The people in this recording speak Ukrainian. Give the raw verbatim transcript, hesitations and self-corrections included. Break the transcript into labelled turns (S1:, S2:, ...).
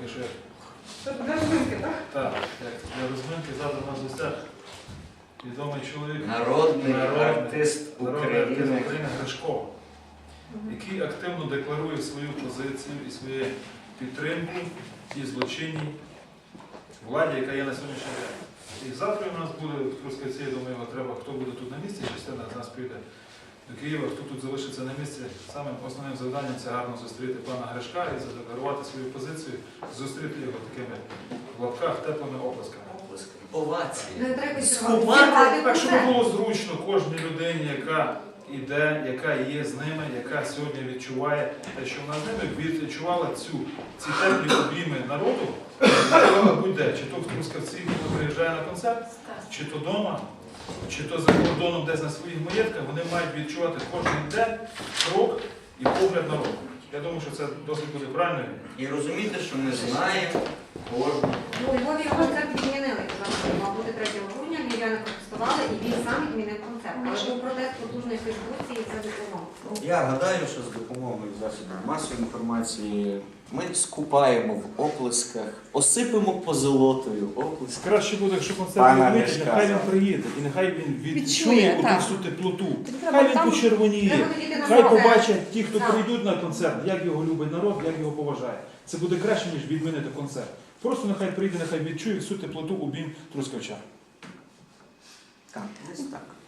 S1: що я...
S2: Це для розминки, так?
S1: Так, як для розминки завтра у нас в гостях відомий чоловік,
S3: Народний
S1: Народ-
S3: артист
S1: народний артист
S3: України.
S1: України Гришко, який активно декларує свою позицію і свою підтримку тій злочинній владі, яка є на сьогоднішній день. І завтра у нас буде в Трускавці, я думаю, його треба, хто буде тут на місці, частина з нас піде до Києва, хто тут залишиться на місці. Самим основним завданням це гарно зустріти пана Гришка і задекларувати свою позицію, зустріти його такими в лапках теплими оплесками.
S3: Овації.
S2: Не треба
S3: Сховати,
S1: Так, щоб було зручно кожній людині, яка іде, яка є з ними, яка сьогодні відчуває те, що вона з ними, відчувала цю, ці теплі обійми народу, будь-де, чи то в Трускавці, хто приїжджає на концерт, чи то вдома, чи то за кордоном десь на своїх маєтках, вони мають відчувати кожен день, крок і погляд народу. Я думаю, що це досить буде правильно.
S3: І розуміти, що ми знаємо кожного.
S2: Ну, у Львові його концерт відмінили. Мав бути третього грудня, львів'яни протестували, і він сам відмінив концерт. Але був протест потужної Фейсбуці і це допомогло.
S3: Я гадаю, що з допомогою засобів масової інформації ми скупаємо в оплесках, осипемо позолотою оплески.
S1: Краще буде, якщо концерт
S3: Пана
S1: відбудеться,
S3: Гришка.
S1: нехай він приїде, і нехай він відчує
S4: Відчує,
S1: оту
S4: так.
S1: всю теплоту.
S4: треба
S1: Хай він
S4: там-
S1: почервоніє.
S2: Треба тоді на
S1: Хай
S2: концерт.
S1: побачать ті, хто
S2: Так.
S1: прийдуть на концерт, як його любить народ, як його поважає. Це буде краще, ніж відмінити концерт. Просто нехай прийде, нехай відчує всю теплоту обійм трускавчан.
S3: Так, десь так.